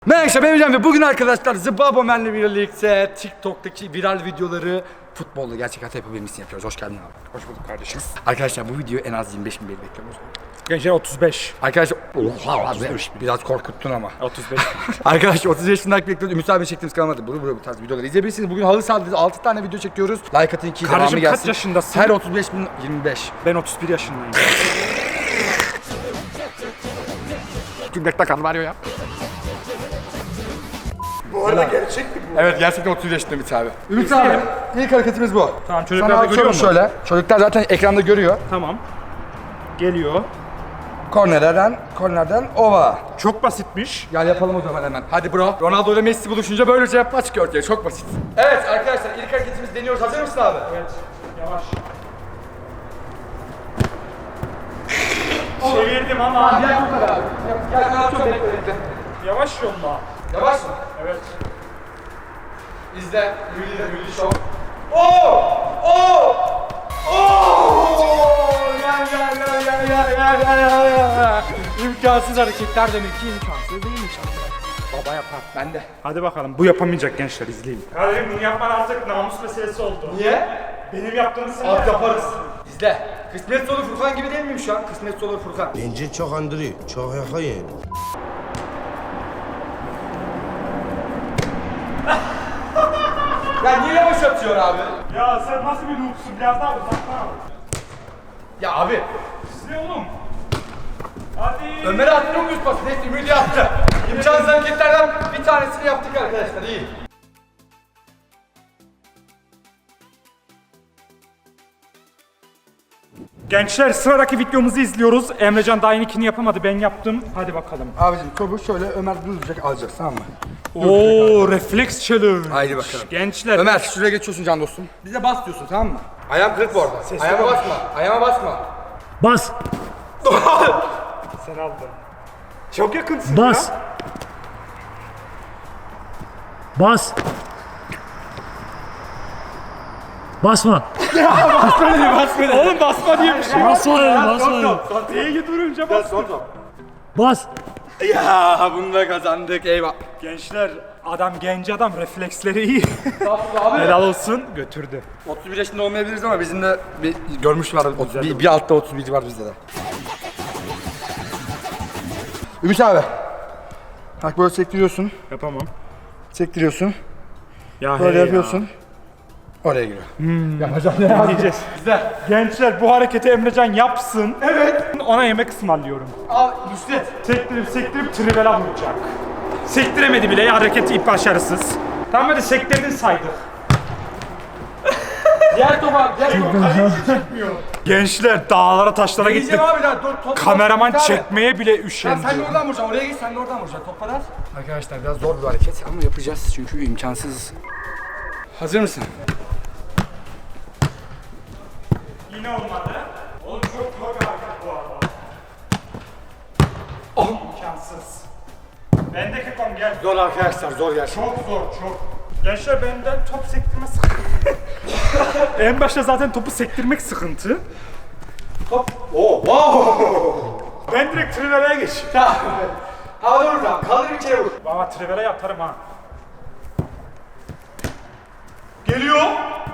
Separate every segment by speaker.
Speaker 1: Merhaba ben Hocam ve bugün arkadaşlar Zıbabomen'le birlikte TikTok'taki viral videoları futbolda gerçek hayata yapabilmesini yapıyoruz. Hoş geldin abi.
Speaker 2: Hoş bulduk kardeşim.
Speaker 1: Arkadaşlar bu videoyu en az 25 bin beğeni bekliyoruz.
Speaker 2: Gençler 35.
Speaker 1: Arkadaşlar oha biraz korkuttun ama.
Speaker 2: 35.
Speaker 1: Arkadaşlar 35 bin like bekliyoruz. Ümit abi çektiğimiz kanalıda bu tarz videoları izleyebilirsiniz. Bugün halı sahada 6 tane video çekiyoruz. Like atın ki devamı
Speaker 2: Kardeşim
Speaker 1: gelsin.
Speaker 2: kaç yaşındasın?
Speaker 1: Her 35 bin 25.
Speaker 2: Ben 31 yaşındayım.
Speaker 1: Cümlekte kan var ya.
Speaker 2: Bu arada gerçek mi bu?
Speaker 1: Evet gerçekten 30 yaşında Ümit abi. Ümit abi ilk hareketimiz bu.
Speaker 2: Tamam, çocuklar
Speaker 1: Sana
Speaker 2: da görüyor mu?
Speaker 1: şöyle. Çocuklar zaten ekranda görüyor.
Speaker 2: Tamam. Geliyor.
Speaker 1: Kornerden ova.
Speaker 2: Çok basitmiş.
Speaker 1: Gel yapalım o zaman hemen. Hadi bro. Ronaldo ile Messi buluşunca böylece yapma çıkıyor ortaya. Çok basit. Evet arkadaşlar ilk hareketimizi deniyoruz. Hazır mısın abi?
Speaker 2: Evet. Yavaş. Çevirdim ama.
Speaker 1: Gel bu kadar abi. Gel ben çok bekledim.
Speaker 2: Yavaş yolla.
Speaker 1: Yavaş mı?
Speaker 2: Evet.
Speaker 1: İzle. Milli şov. Oo! Oo! Oo! Ya. İmkansız hareketler demek ki imkansız değilmiş aslında. Baba yapar. Ben de.
Speaker 2: Hadi bakalım. Bu yapamayacak gençler, izleyin. Kardeşim bunu yapman artık namus meselesi oldu.
Speaker 1: Niye?
Speaker 2: Benim yaptığımı sen
Speaker 1: Abi yaparız. İzle. Kısmet olur Furkan gibi değil miyim şu an? Kısmet olur Furkan.
Speaker 3: Bence çok andırıyor, çok yakayın.
Speaker 1: Ya niye yavaş atıyor abi?
Speaker 2: Ya sen nasıl bir noobsun? Biraz daha uzaktan al.
Speaker 1: Ya abi.
Speaker 2: Size oğlum. Hadi.
Speaker 1: Ömer'e attırıyor muyuz pası? Neyse Ümidi yaptı. İmkansız hareketlerden bir tanesini yaptık arkadaşlar. İyi.
Speaker 2: Gençler sıradaki videomuzu izliyoruz. Emrecan daha ikini yapamadı, ben yaptım. Hadi bakalım.
Speaker 1: Abicim topu şöyle Ömer düzecek alacağız tamam mı?
Speaker 2: Oo, refleks challenge.
Speaker 1: Haydi bakalım.
Speaker 2: Gençler.
Speaker 1: Ömer şuraya geçiyorsun can dostum. Bize bas diyorsun tamam mı? Ayağım kırık bu arada.
Speaker 2: Sesli
Speaker 1: Ayağıma
Speaker 2: konuş.
Speaker 1: basma. Ayağıma basma.
Speaker 4: Bas,
Speaker 2: Sen aldın. Çok yakınsın
Speaker 4: bas.
Speaker 2: ya.
Speaker 4: Bas. Basma.
Speaker 2: Oğlum basma diye bir şey yok.
Speaker 4: Basma dedim, basma dedim.
Speaker 2: Diye durunca bas.
Speaker 4: Bas.
Speaker 1: Ya bunu da kazandık eyvah.
Speaker 2: Gençler, adam genç adam, refleksleri iyi.
Speaker 1: Abi.
Speaker 2: Helal olsun, götürdü.
Speaker 1: 31 yaşında olmayabiliriz ama bizim de bir görmüş var. Bir altta 31 var bizde de. Ümit abi. Bak böyle sektiriyorsun.
Speaker 2: Yapamam.
Speaker 1: Sektiriyorsun.
Speaker 2: Ya
Speaker 1: Böyle
Speaker 2: hey
Speaker 1: yapıyorsun. Oraya giriyor. Yapacağım ne
Speaker 2: Ya. Diyeceğiz. Gençler bu hareketi Emrecan yapsın. Evet. Ona yemek ısmarlıyorum.
Speaker 1: Al Nusret.
Speaker 2: Sektirip trivela vuracak. Sektiremedi bile, hareketi başarısız. Tamam hadi sektirdin saydık.
Speaker 1: Diğer topa. Diğer topa.
Speaker 2: Gençler dağlara taşlara gittik.
Speaker 1: Gideceğim abi daha. Top,
Speaker 2: Kameraman
Speaker 1: top,
Speaker 2: çekmeye bile
Speaker 1: Tamam
Speaker 2: üşendi.
Speaker 1: sen de oradan vuracaksın. Oraya git sen de oradan vuracaksın. Toplar at. Arkadaşlar biraz zor bir hareket ama yapacağız çünkü imkansız. Hazır mısın?
Speaker 2: Yine olmadı. Oğlum çok zor bir hareket bu arada. İmkansız. Bendeki kom gel.
Speaker 1: Zor arkadaşlar zor gerçekten.
Speaker 2: Çok zor, çok. Gençler benden top sektirme sıkıntı. En başta zaten topu sektirmek sıkıntı.
Speaker 1: Hop. Oo, wow.
Speaker 2: Ben direkt trivela'ya geçeyim.
Speaker 1: Hadi oradan. Kaldır bir kere vur.
Speaker 2: Baba trivela'ya atarım ha. Geliyor.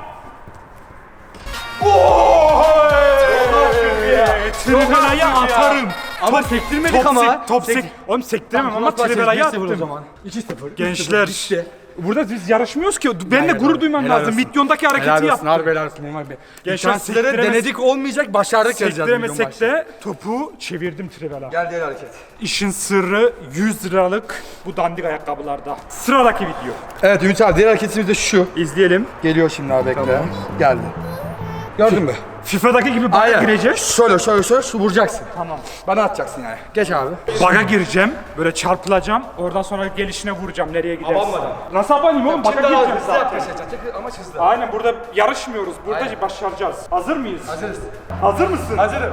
Speaker 2: Trivela'ya atarım.
Speaker 1: Ama sektirmedik ama.
Speaker 2: Oğlum sektiremem ama trivela'ya attım.
Speaker 1: 2-0.
Speaker 2: Gençler.
Speaker 1: İşte.
Speaker 2: Burada biz yarışmıyoruz ki. Ben de gurur duymam
Speaker 1: Helal
Speaker 2: lazım.
Speaker 1: olsun.
Speaker 2: Milyondaki hareketi
Speaker 1: Helal olsun.
Speaker 2: yaptım.
Speaker 1: Harbi helal olsun. Normal bir.
Speaker 2: Gençler
Speaker 1: İmkansızları
Speaker 2: sektiremez-
Speaker 1: denedik olmayacak başardık yazacağız.
Speaker 2: Sektiremesek
Speaker 1: milyon
Speaker 2: de topu çevirdim trivela.
Speaker 1: Gel diğer hareket.
Speaker 2: İşin sırrı 100 liralık bu dandik ayakkabılarda. Sıradaki video.
Speaker 1: Evet Ümit abi diğer hareketimiz de şu.
Speaker 2: İzleyelim.
Speaker 1: Geliyor şimdi abi bekle. Geldi. Gördün mü?
Speaker 2: FIFA'daki gibi baga
Speaker 1: Aynen.
Speaker 2: gireceğiz.
Speaker 1: Şöyle şu vuracaksın.
Speaker 2: Tamam.
Speaker 1: Bana atacaksın yani. Geç abi.
Speaker 2: Baga gireceğim. Böyle çarpılacağım. Oradan sonra gelişine vuracağım. Nereye gidersin?
Speaker 1: Abanmadan.
Speaker 2: Nasıl abanayım oğlum? Baga gireceğim
Speaker 1: hızlı
Speaker 2: zaten.
Speaker 1: yaklaşacaksın. Ama hızlı.
Speaker 2: Aynen, burada yarışmıyoruz. Burada
Speaker 1: Aynen.
Speaker 2: başaracağız. Hazır mıyız?
Speaker 1: Hazırız.
Speaker 2: Hazır mısın?
Speaker 1: Hazırım.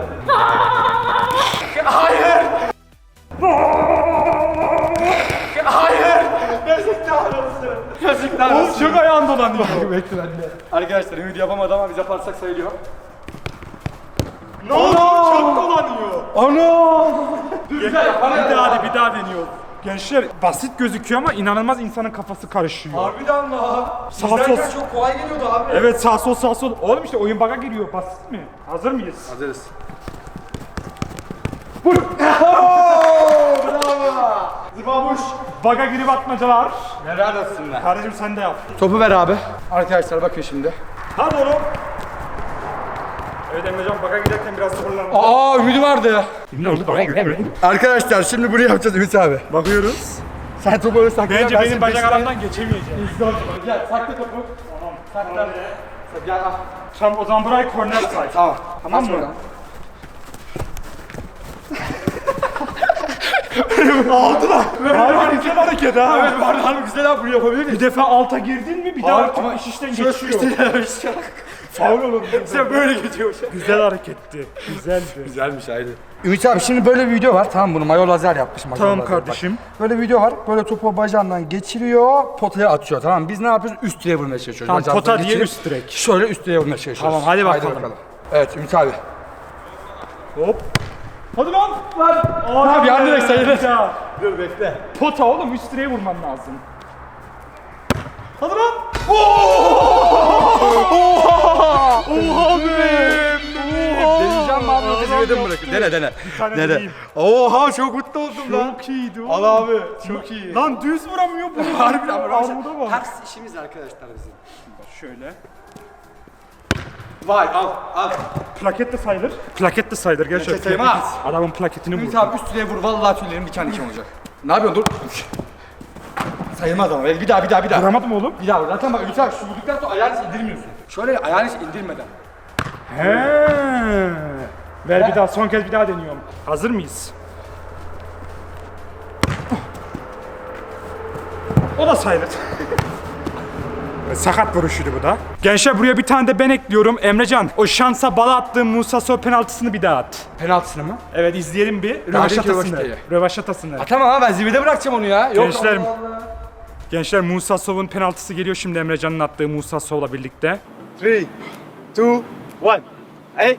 Speaker 1: Hayır. Hayır. Yazıklar olsun. Yazıklar
Speaker 2: Oğlum
Speaker 1: olsun.
Speaker 2: çok ayağım dolanıyor.
Speaker 1: Bekle ben de. Arkadaşlar Ümit yapamadı ama biz yaparsak sayılıyor.
Speaker 2: Ne oldu? Çok dolanıyor.
Speaker 1: Ana!
Speaker 2: Bir daha deniyor. Gençler basit gözüküyor ama inanılmaz insanın kafası karışıyor.
Speaker 1: Harbiden la.
Speaker 2: Sağ
Speaker 1: İzlerken
Speaker 2: sol.
Speaker 1: çok kolay geliyordu abi.
Speaker 2: Evet sağ sol sağ sol. Oğlum işte oyun bug'a giriyor. Basit mi? Hazır mıyız?
Speaker 1: Hazırız.
Speaker 2: Zıbabuş. Bug'a girip atmacalar.
Speaker 1: Helal olsun lan.
Speaker 2: Kardeşim sen de yap.
Speaker 1: Topu ver abi. Arkadaşlar bakın şimdi.
Speaker 2: Hadi oğlum. Evet Emrecan bug'a giderken biraz zorlanma.
Speaker 1: Aa ümidi vardı. Arkadaşlar şimdi bunu yapacağız Ümit abi.
Speaker 2: Bakıyoruz.
Speaker 1: Sen topu öyle sakla.
Speaker 2: Bence
Speaker 1: ben
Speaker 2: benim
Speaker 1: seni
Speaker 2: bacak
Speaker 1: beşten-
Speaker 2: aramdan geçemeyeceğim.
Speaker 1: Gel sakla topu.
Speaker 2: Tamam.
Speaker 1: Sakla. Gel al.
Speaker 2: Tamam o zaman burayı korner say.
Speaker 1: Tamam.
Speaker 2: Tamam
Speaker 1: Aç
Speaker 2: mı?
Speaker 1: buradan.
Speaker 2: Harbi güzel hareket ha.
Speaker 1: Evet var harbi güzel abi bunu yapabilir
Speaker 2: Bir
Speaker 1: miyiz?
Speaker 2: defa alta girdin mi bir daha
Speaker 1: Harbi
Speaker 2: artık
Speaker 1: ama
Speaker 2: iş işten
Speaker 1: şöyle
Speaker 2: geçiyor.
Speaker 1: sıkıştı ya.
Speaker 2: Faul olur.
Speaker 1: Sen böyle geçiyor.
Speaker 2: Güzel hareketti. Güzeldi.
Speaker 1: Güzelmiş ayrı. Ümit abi şimdi böyle bir video var. Tamam bunu mayo lazer yapmış. Mayo
Speaker 2: Tamam
Speaker 1: lazer.
Speaker 2: kardeşim.
Speaker 1: Bak, böyle bir video var. Böyle topu bacağından geçiriyor, potaya atıyor. Tamam biz ne yapıyoruz? Üst direğe vurmaya çalışıyoruz.
Speaker 2: Tamam,
Speaker 1: Bacağımızdan
Speaker 2: pota diye
Speaker 1: geçirip
Speaker 2: üst direk.
Speaker 1: Şöyle üst direğe vurmaya çalışıyoruz.
Speaker 2: Tamam, hadi bakalım.
Speaker 1: Evet Ümit abi.
Speaker 2: Hop. Hadi lan. Lan.
Speaker 1: Abi yan direk sayılır.
Speaker 2: Ya.
Speaker 1: Dur bekle.
Speaker 2: Pota oğlum üst direğe vurman lazım. Hadi lan. Oha be.
Speaker 1: Deneyeceğim mi abi yoksa zirvede mi bırakayım? Dene.
Speaker 2: tane
Speaker 1: Dene.
Speaker 2: deneyeyim.
Speaker 1: Oha çok mutlu oldum lan.
Speaker 2: Çok iyiydi oğlum.
Speaker 1: Al abi çok iyi.
Speaker 2: Lan düz vuramıyor bu.
Speaker 1: Harbiden
Speaker 2: Armuda bak.
Speaker 1: Ters işimiz arkadaşlar bizim.
Speaker 2: Şöyle.
Speaker 1: Vay al.
Speaker 2: Plaket de sayılır. Plaket de sayılır gerçekten.
Speaker 1: Plaket sayılmaz.
Speaker 2: Adamın plaketini
Speaker 1: Ümit
Speaker 2: vurdu.
Speaker 1: abi üst direğe vur vallahi tüylerim diken diken olacak. Ne yapıyorsun dur. Sayılmaz ama bir daha.
Speaker 2: Vuramadım oğlum.
Speaker 1: Bir daha vur. Zaten bak Ümit abi şu vurduktan sonra ayağını hiç indirmiyorsun. Şöyle ayağını hiç indirmeden.
Speaker 2: He. Ver bir daha son kez bir daha deniyorum. Hazır mıyız? O da sayılır. Sakat vuruşuydu bu da. Gençler buraya bir tane de ben ekliyorum. Emrecan o şansa bala attığın Musa Sow penaltısını bir daha at.
Speaker 1: Penaltısını mı?
Speaker 2: Evet izleyelim bir.
Speaker 1: Daha
Speaker 2: Rövaşatasını.
Speaker 1: değil.
Speaker 2: Rövaşatasını.
Speaker 1: Tamam ama ben zirvede bırakacağım onu ya. Yok,
Speaker 2: Gençler-
Speaker 1: Allah Allah.
Speaker 2: Gençler Musa Sow'un penaltısı geliyor şimdi Emrecan'ın attığı Musa Sow'la birlikte.
Speaker 1: 3, 2, 1. Hey.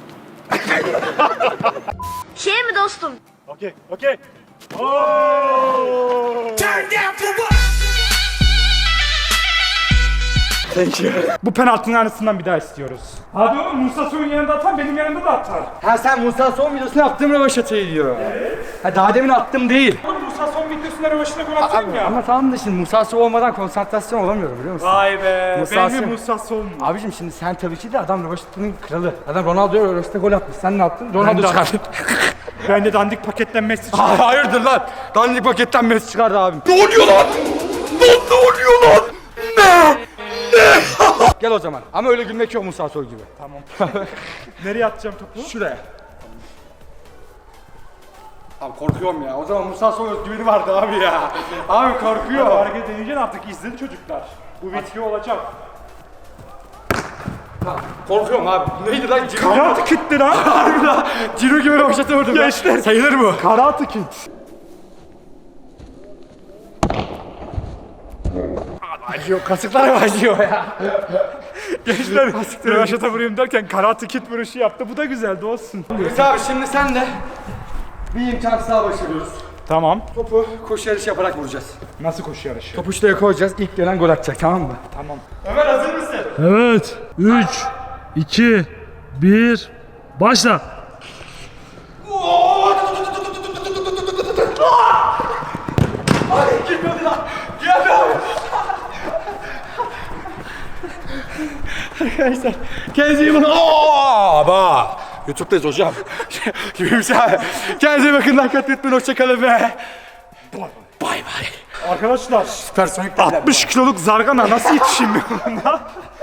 Speaker 5: Şey mi dostum?
Speaker 2: Okey.
Speaker 1: Thank you.
Speaker 2: Bu penaltının aynısından bir daha istiyoruz. Hadi oğlum Musa Sow'un yanında atan benim yanımda da atar.
Speaker 1: Ha sen Musa son videosunu yaptığım rövaşatayı diyor. Evet. Ha daha demin attım değil.
Speaker 2: Oğlum Musa Sow videosunda rövaşına gol atıyorum ya.
Speaker 1: Ama tamam da şimdi Musa Sow olmadan konsantrasyon olamıyorum biliyor musun?
Speaker 2: Vay be.
Speaker 1: Musa
Speaker 2: Benim
Speaker 1: Sow.
Speaker 2: Musa Sow mu?
Speaker 1: Abicim şimdi sen tabii ki de adam rövaşatının kralı. Adam Ronaldo'ya rövaşata gol atmış. Sen ne yaptın? Ronaldo
Speaker 2: de
Speaker 1: çıkardın.
Speaker 2: Ben de dandik paketten Messi çıktı.
Speaker 1: Hayırdır lan? Dandik paketten Messi çıkardı abim. Ne oluyor lan? Ne oluyor lan? Ne? Gel o zaman. Ama öyle gülmek yok Musa Soy gibi.
Speaker 2: Tamam. Nereye atacağım topu?
Speaker 1: Şuraya. Abi korkuyorum ya. O zaman Musa Soy özgüveni vardı abi ya. Abi korkuyor.
Speaker 2: Hareket edeceksin artık izledi çocuklar. Bu video olacak.
Speaker 1: Korkuyorum abi. Neydi lan? Ciro.
Speaker 2: Karate Kid'ti lan.
Speaker 1: Harbi lan. Ciro gibi rövaşata vurdum.
Speaker 2: Gençler.
Speaker 1: Sayılır mı?
Speaker 2: Karate Kid.
Speaker 1: Acıyor. Kasıklar acıyor ya.
Speaker 2: Gençler rövaşata vuruyorum derken Karate Kid vuruşu yaptı. Bu da güzeldi olsun.
Speaker 1: Biz abi şimdi sen de bir imkansız daha başarıyoruz.
Speaker 2: Tamam.
Speaker 1: Topu koşu yarışı yaparak vuracağız.
Speaker 2: Nasıl koşu yarışı?
Speaker 1: Topu şuraya koyacağız. İlk gelen gol atacak tamam mı?
Speaker 2: Tamam.
Speaker 1: Ömer hazır mısın?
Speaker 4: Evet. 3, 2, 1. Başla.
Speaker 1: Ay girmedi lan. Geldi abi. Arkadaşlar kendinize iyi bakın. Bak. YouTube'dayız hocam. Gibiymiş abi. Kendinize iyi bakın. Like atmayı unutmayın. Hoşçakalın ve bay bay.
Speaker 2: Arkadaşlar
Speaker 1: Süpersonik
Speaker 2: 60 kiloluk zargana nasıl yetişeyim ben buna?